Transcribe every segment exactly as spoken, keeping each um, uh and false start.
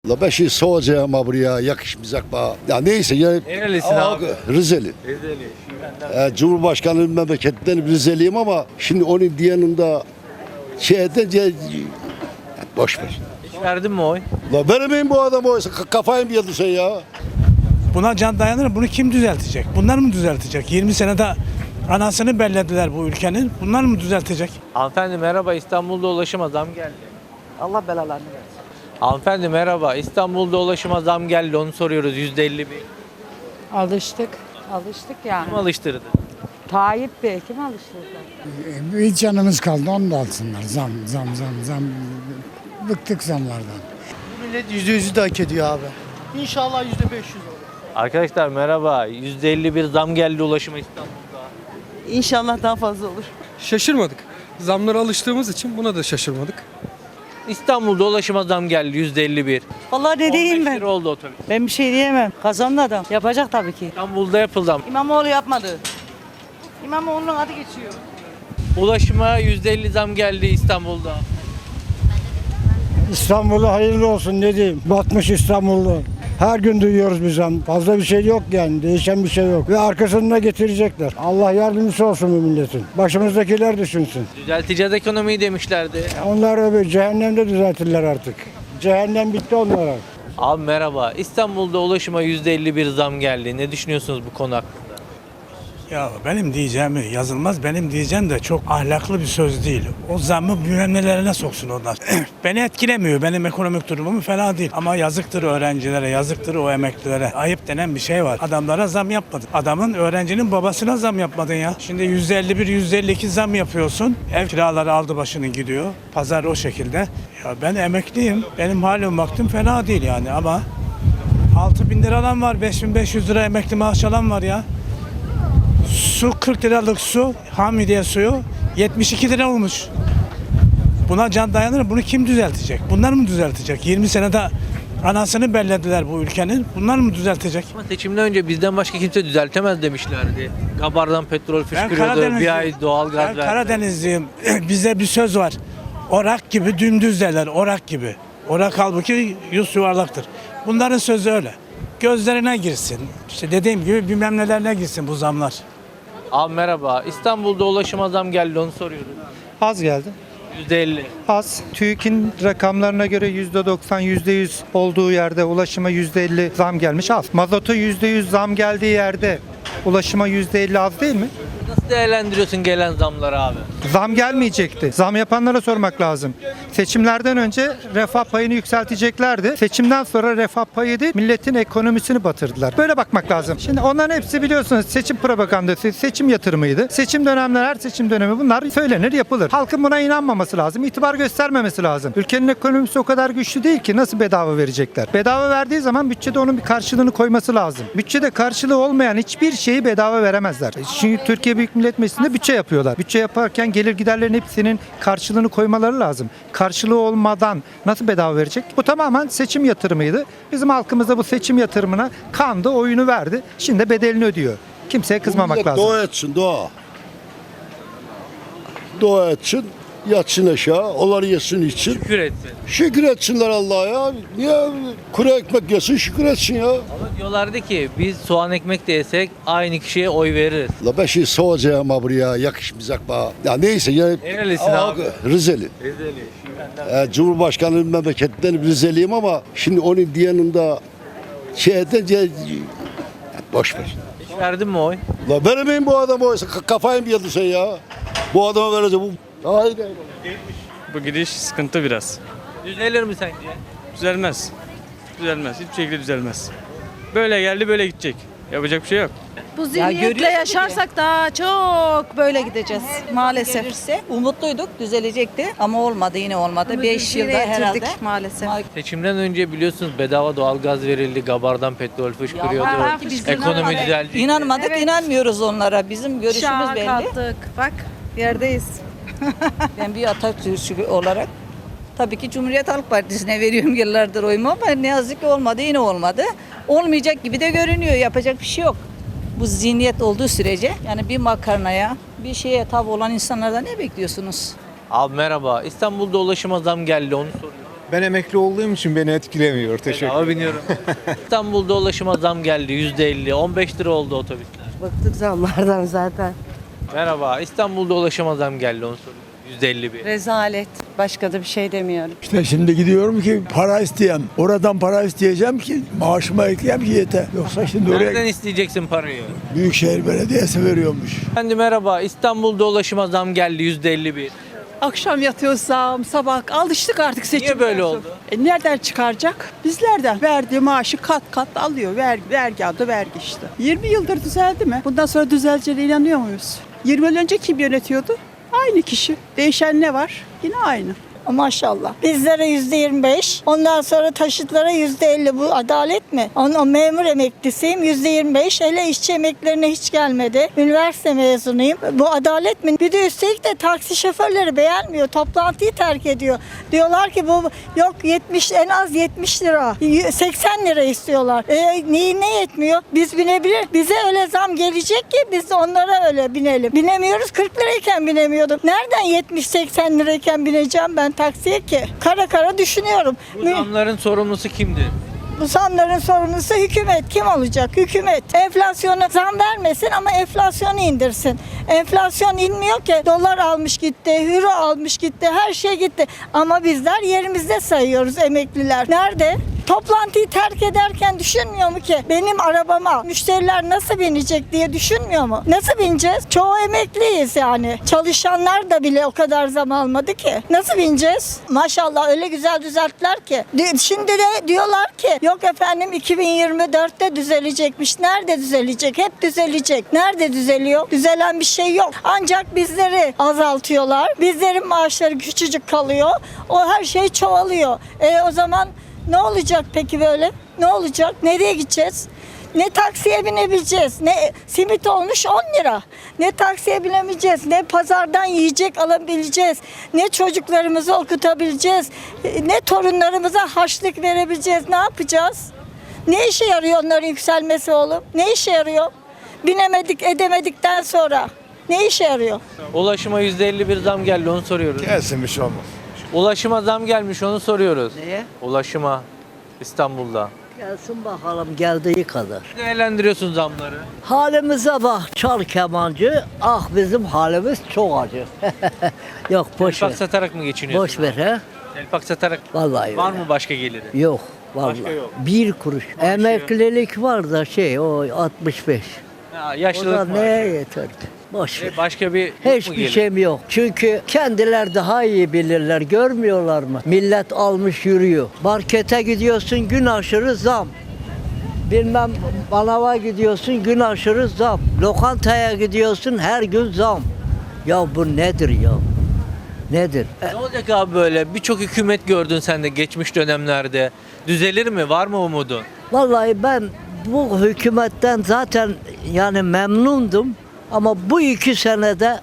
La ben şimdi soracağım ha buraya yakışmayacak bana. Ya neyse ya. Nerelisin Aa, abi? Rizeli. Rizeli. Ee, Cumhurbaşkanı memleketinden Rizeliyim ama şimdi onun yanında şey edince boş ver. Hiç verdin mi oy? La vermeyin bu adamı oysa K- kafayı mı yedin sen ya? Buna can dayanır. Bunu kim düzeltecek? Bunlar mı düzeltecek? yirmi senede anasını bellediler bu ülkenin. Bunlar mı düzeltecek? Hanımefendi merhaba, İstanbul'da ulaşıma zam geldi. Allah belalarını versin. Hanımefendi merhaba, İstanbul'da ulaşıma zam geldi, onu soruyoruz. yüzde elli bir. Alıştık. Alıştık yani. Kim alıştırdı? Tayyip Bey kim alıştırdı? Bir canımız kaldı, onu da alsınlar. Zam, zam, zam, zam. Bıktık zamlardan. Millet yüzde yüzü de hak ediyor abi. İnşallah yüzde beş yüz olur. Arkadaşlar merhaba, yüzde elli bir zam geldi ulaşıma İstanbul'da. İnşallah daha fazla olur. Şaşırmadık. Zamlara alıştığımız için buna da şaşırmadık. İstanbul'da ulaşıma zam geldi yüzde elli bir. Vallahi ne on diyeyim beş ben? lira oldu otobüs. Ben bir şey diyemem. Kazandı adam. Yapacak tabii ki. İstanbul'da yapıldı ama. İmamoğlu yapmadı. İmamoğlu'nun adı geçiyor. Ulaşıma yüzde elli zam geldi İstanbul'da. İstanbul'a hayırlı olsun ne diyeyim. Batmış İstanbul'u. Her gün duyuyoruz bir zam. Fazla bir şey yok yani. Değişen bir şey yok. Ve arkasında getirecekler. Allah yardımcısı olsun bu milletin. Başımızdakiler düşünsün. Düzelteceğiz ekonomiyi demişlerdi. Onlar öbür cehennemde düzeltirler artık. Cehennem bitti onlara. Abi merhaba, İstanbul'da ulaşıma yüzde elli bir zam geldi. Ne düşünüyorsunuz bu konu hakkında? Ya benim diyeceğimi yazılmaz. Benim diyeceğim de çok ahlaklı bir söz değil. O zammı bilmem nelerine soksun onlar. Beni etkilemiyor. Benim ekonomik durumum fena değil. Ama yazıktır öğrencilere, yazıktır o emeklilere. Ayıp denen bir şey var. Adamlara zam yapmadın. Adamın, öğrencinin babasına zam yapmadın ya. Şimdi yüzde elli bir, yüzde elli iki zam yapıyorsun. Ev kiraları aldı başını gidiyor. Pazar o şekilde. Ya ben emekliyim. Benim halim vaktim fena değil yani ama altı bin lira alan var. beş bin beş yüz lira emekli maaş alan var ya. Su kırk liralık su, Hamidiye suyu yetmiş iki lira olmuş. Buna can dayanır. Bunu kim düzeltecek? Bunlar mı düzeltecek? yirmi senede anasını bellediler bu ülkenin. Bunlar mı düzeltecek? Ama seçimden önce bizden başka kimse düzeltemez demişlerdi. Gabardan petrol fışkırıyordu, bir ay doğal Ben gaz verdi. Karadenizliyim. Bize bir söz var. Orak gibi dümdüz derler. Orak gibi. Orak halbuki yüz yuvarlaktır. Bunların sözü öyle. Gözlerine girsin. İşte dediğim gibi bilmem nelerine girsin bu zamlar. Abi merhaba, İstanbul'da ulaşıma zam geldi, onu soruyoruz. Az geldi. yüzde elli. Az. TÜİK'in rakamlarına göre yüzde doksan, yüzde yüz olduğu yerde ulaşıma yüzde elli zam gelmiş. Az. Mazota yüzde yüz zam geldiği yerde ulaşıma yüzde elli az değil mi? Nasıl değerlendiriyorsun gelen zamları abi? Zam gelmeyecekti. Zam yapanlara sormak lazım. Seçimlerden önce refah payını yükselteceklerdi. Seçimden sonra refah payı değil, milletin ekonomisini batırdılar. Böyle bakmak lazım. Şimdi onların hepsi biliyorsunuz seçim propagandası, seçim yatırımıydı. Seçim dönemleri, her seçim dönemi bunlar söylenir, yapılır. Halkın buna inanmaması lazım, itibar göstermemesi lazım. Ülkenin ekonomisi o kadar güçlü değil ki nasıl bedava verecekler? Bedava verdiği zaman bütçede onun bir karşılığını koyması lazım. Bütçede karşılığı olmayan hiçbir şeyi bedava veremezler. Çünkü Türkiye Büyük Millet Meclisi'nde bütçe yapıyorlar. Bütçe yaparken gelir giderlerin hepsinin karşılığını koymaları lazım. Karşılığı olmadan nasıl bedava verecek? Bu tamamen seçim yatırımıydı. Bizim halkımız da bu seçim yatırımına kandı, oyunu verdi. Şimdi bedelini ödüyor. Kimseye kızmamak Millet lazım. Dua etsin dua. Dua etsin. Yatsın aşağı. Onları yesin için. Şükür etsin. Şükür etsinler Allah'a ya. Niye kuru ekmek yesin şükür etsin ya. Ama diyorlardı ki biz soğan ekmek de yesek aynı kişiye oy veririz. La ben şimdi soracağım ha buraya yakışmayacak bana. Ya neyse ya. Nerelisin Aa, abi? Rizeli. Rizeli. Ee, Cumhurbaşkanı memleketinden Rizeliyim ama şimdi onun yanında şey edince boş ver. Hiç verdin mi oy? La vermeyin bu adamı oysa K- kafayı mı yedin sen ya? Bu adama vereceğim. Bu... Hayır, hayır. Bu gidiş sıkıntı biraz. Düzelir mi sence? Düzelmez. Düzelmez. Hiçbir şekilde düzelmez. Böyle geldi böyle gidecek. Yapacak bir şey yok. Bu zihniyetle yaşarsak daha çok böyle gideceğiz maalesef. Gelirse umutluyduk, düzelecekti ama olmadı, yine olmadı. beş yılda Zirveye herhalde. getirdik maalesef. Seçimden önce biliyorsunuz bedava doğalgaz verildi, gabardan petrol fışkırıyordu. Ya, biz Ekonomi inanmadık. düzeldi. İnanmadık, Evet. inanmıyoruz onlara. Bizim görüşümüz Şaha belli. kalktık. Bak yerdeyiz. Ben bir Atatürkçü olarak tabii ki Cumhuriyet Halk Partisi'ne veriyorum yıllardır oyumu ama ne yazık ki olmadı, yine olmadı. Olmayacak gibi de görünüyor. Yapacak bir şey yok. Bu zihniyet olduğu sürece yani bir makarnaya, bir şeye tav olan insanlardan ne bekliyorsunuz? Abi merhaba, İstanbul'da ulaşıma zam geldi, onu soruyorum. Ben emekli olduğum için beni etkilemiyor. Teşekkür Bedava biniyorum. İstanbul'da ulaşıma zam geldi yüzde elli. on beş lira oldu otobüsler. Bıktık zamlardan zaten. Merhaba. İstanbul'da ulaşıma zam geldi onu soruyorum. yüzde elli bir. Rezalet. Başka da bir şey demiyorum. İşte şimdi gidiyorum ki para isteyeyim. Oradan para isteyeceğim ki maaşıma ekleyeyim ki yeter. Yoksa şimdi oraya Nereden isteyeceksin parayı? Büyükşehir Belediyesi veriyormuş. Efendim merhaba. İstanbul'da ulaşıma zam geldi yüzde elli bir. Akşam yatıyorsam sabah alıştık artık seçim. Niye böyle oldu? E nereden çıkaracak? Bizlerden. Verdiği maaşı kat kat alıyor. Ver, vergi adı vergi işte. yirmi yıldır düzeldi mi? Bundan sonra düzeleceğine inanıyor muyuz? yirmi yıl önce kim yönetiyordu? Aynı kişi. Değişen ne var? Yine aynı. Maşallah. Bizlere yüzde yirmi beş, ondan sonra taşıtlara yüzde elli. Bu adalet mi? Onun memur emeklisiyim, yüzde yirmi beş. Hele işçi emeklilerine hiç gelmedi. Üniversite mezunuyum. Bu adalet mi? Bir de üstelik de taksi şoförleri beğenmiyor. Toplantıyı terk ediyor. Diyorlar ki bu yok yetmiş, en az yetmiş lira. seksen lira istiyorlar. E, neyi ne yetmiyor? Biz binebilir. Bize öyle zam gelecek ki biz de onlara öyle binelim. Binemiyoruz. kırk lirayken binemiyordum. Nereden yetmiş seksen lirayken bineceğim ben taksiye ki? Kara kara düşünüyorum. Bu zamların sorumlusu kimdi? Bu zamların sorumlusu hükümet. Kim olacak? Hükümet. Enflasyona zam vermesin ama enflasyonu indirsin. Enflasyon inmiyor ki. Dolar almış gitti, euro almış gitti, her şey gitti. Ama bizler yerimizde sayıyoruz emekliler. Nerede? Toplantıyı terk ederken düşünmüyor mu ki benim arabama müşteriler nasıl binecek diye düşünmüyor mu? Nasıl bineceğiz? Çoğu emekliyiz yani. Çalışanlar da bile o kadar zam almadı ki. Nasıl bineceğiz? Maşallah öyle güzel düzelttiler ki. Şimdi de diyorlar ki yok efendim iki bin yirmi dörtte düzelecekmiş. Nerede düzelecek? Hep düzelecek. Nerede düzeliyor? Düzelen bir şey yok. Ancak bizleri azaltıyorlar. Bizlerin maaşları küçücük kalıyor. O her şey çoğalıyor. E o zaman ne olacak peki böyle? Ne olacak? Nereye gideceğiz? Ne taksiye binebileceğiz, ne simit olmuş on lira. Ne taksiye binemeyeceğiz, ne pazardan yiyecek alabileceğiz, ne çocuklarımızı okutabileceğiz, ne torunlarımıza harçlık verebileceğiz. Ne yapacağız? Ne işe yarıyor onların yükselmesi oğlum? Ne işe yarıyor? Binemedik, edemedikten sonra ne işe yarıyor? Ulaşıma yüzde elli bir zam geldi onu soruyoruz. Gelsin bir şey olmaz. Ulaşıma zam gelmiş onu soruyoruz. Neye? Ulaşıma İstanbul'da. Gelsin bakalım geldiği kadar. Değerlendiriyorsun zamları. Halimize bak çal kemancı. Ah bizim halimiz çok acı. Yok boş ver. Elpak satarak mı geçiniyorsun? Boş ver he. Elpak satarak. Vallahi Var öyle. mı başka geliri? Yok. Vallahi. Başka yok. Bir kuruş. Emeklilik var da şey o altmış beş. Ha, O da yaşlılık mı? neye yeter ki? Boş ver. E, Başka bir yok mu Hiçbir gelir? şeyim yok. Çünkü kendiler daha iyi bilirler. Görmüyorlar mı? Millet almış yürüyor. Markete gidiyorsun gün aşırı zam. Bilmem manava gidiyorsun gün aşırı zam. Lokantaya gidiyorsun her gün zam. Ya bu nedir ya? Nedir? Ne olacak abi böyle? Birçok hükümet gördün sen de geçmiş dönemlerde. Düzelir mi? Var mı umudun? Vallahi ben bu hükümetten zaten yani memnundum. Ama bu iki senede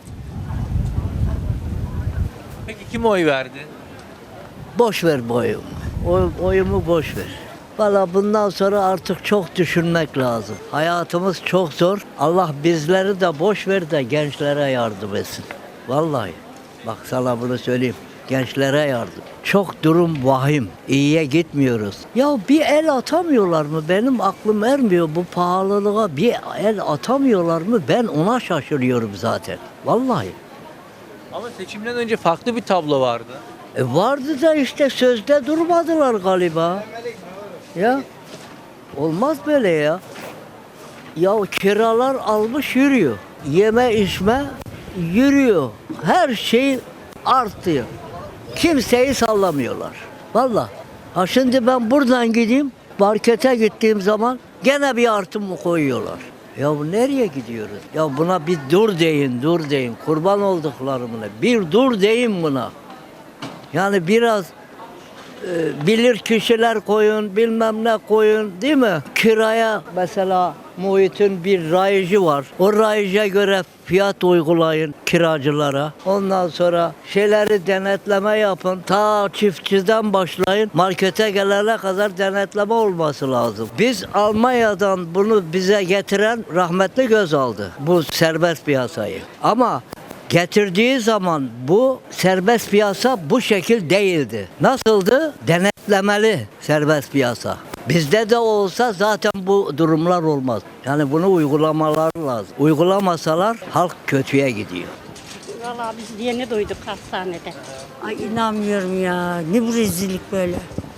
Peki kim oy verdi? boş ver bu oyumu. Oy, oyumu boş ver. Valla bundan sonra artık çok düşünmek lazım. Hayatımız çok zor. Allah bizleri de boş ver de gençlere yardım etsin. Vallahi. Bak sana bunu söyleyeyim. Gençlere yardım. Çok durum vahim. İyiye gitmiyoruz. Ya bir el atamıyorlar mı? Benim aklım ermiyor bu pahalılığa. Bir el atamıyorlar mı? Ben ona şaşırıyorum zaten. Vallahi. Ama seçimden önce farklı bir tablo vardı. E vardı da işte sözde durmadılar galiba. Ya olmaz böyle ya. Ya kiralar almış yürüyor. Yeme içme yürüyor. Her şey artıyor. Kimseyi sallamıyorlar. Vallahi. Ha şimdi ben buradan gideyim, markete gittiğim zaman gene bir artım mı koyuyorlar? Ya bu nereye gidiyoruz? Ya buna bir dur deyin, dur deyin. Kurban olduklarımına. Bir dur deyin buna. Yani biraz e, bilir kişiler koyun, bilmem ne koyun değil mi? Kiraya mesela muhitin bir rayıcı var. O rayıca göre fiyat uygulayın kiracılara. Ondan sonra şeyleri denetleme yapın. Ta çiftçiden başlayın. Markete gelene kadar denetleme olması lazım. Biz Almanya'dan bunu bize getiren rahmetli Gözal'dı. Bu serbest piyasayı. Ama Getirdiği zaman bu serbest piyasa bu şekil değildi. Nasıldı? Denetlemeli serbest piyasa. Bizde de olsa zaten bu durumlar olmaz. Yani bunu uygulamalar lazım. Uygulamasalar halk kötüye gidiyor. Vallahi biz yeni duyduk hastanede. Ay inanmıyorum ya. Ne bu rezillik böyle.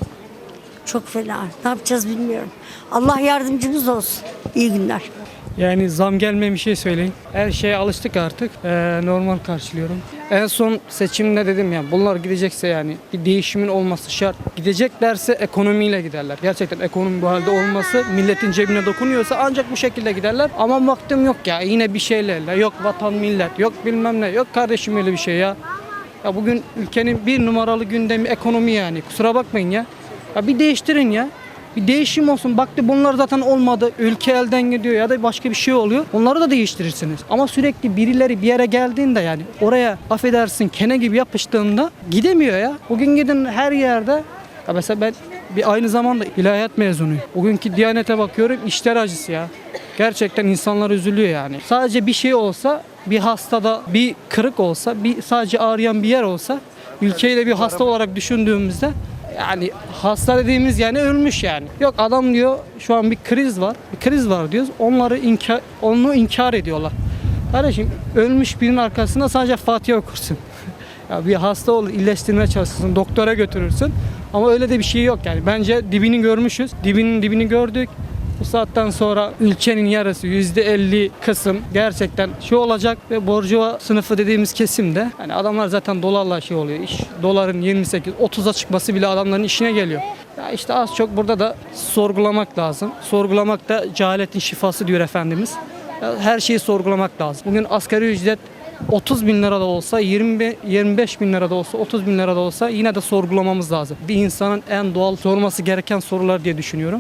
Çok fena. Ne yapacağız bilmiyorum. Allah yardımcımız olsun. İyi günler. Yani zam gelmemiş şey söyleyin. Her şeye alıştık artık. Ee, normal karşılıyorum. En son seçimde dedim ya bunlar gidecekse yani bir değişimin olması şart. Gideceklerse ekonomiyle giderler. Gerçekten ekonomi bu halde olması milletin cebine dokunuyorsa ancak bu şekilde giderler. Ama baktım yok ya yine bir şeylerle. Yok vatan millet, yok bilmem ne. Yok kardeşim öyle bir şey ya. Ya bugün ülkenin bir numaralı gündemi ekonomi yani. Kusura bakmayın ya. Ya bir değiştirin ya. Bir değişim olsun. Baktı bunlar zaten olmadı. Ülke elden gidiyor ya da başka bir şey oluyor. Onları da değiştirirsiniz. Ama sürekli birileri bir yere geldiğinde yani oraya affedersin kene gibi yapıştığında gidemiyor ya. Bugün gidin her yerde. Ya mesela ben bir aynı zamanda ilahiyat mezunuyum. Bugünkü Diyanete bakıyorum işler acısı ya. Gerçekten insanlar üzülüyor yani. Sadece bir şey olsa, bir hastada bir kırık olsa, bir sadece ağrıyan bir yer olsa ülkeyi de bir hasta olarak düşündüğümüzde yani hasta dediğimiz yani ölmüş yani. Yok adam diyor şu an bir kriz var. Bir kriz var diyoruz. Onları inkar, onu inkar ediyorlar. Kardeşim ölmüş birinin arkasında sadece Fatiha okursun. Ya bir hasta olur iyileştirmeye çalışırsın. Doktora götürürsün. Ama öyle de bir şey yok yani. Bence dibini görmüşüz. Dibinin dibini gördük. Bu saatten sonra ülkenin yarısı yüzde elli kısım gerçekten şey olacak ve borcuva sınıfı dediğimiz kesimde hani adamlar zaten dolarla şey oluyor iş. Doların yirmi sekiz otuza çıkması bile adamların işine geliyor. Ya işte az çok burada da sorgulamak lazım. Sorgulamak da cehaletin şifası diyor Efendimiz. Ya her şeyi sorgulamak lazım. Bugün asgari ücret otuz bin lira da olsa, yirmi yirmi beş bin lira da olsa, otuz bin lira da olsa yine de sorgulamamız lazım. Bir insanın en doğal sorması gereken sorular diye düşünüyorum.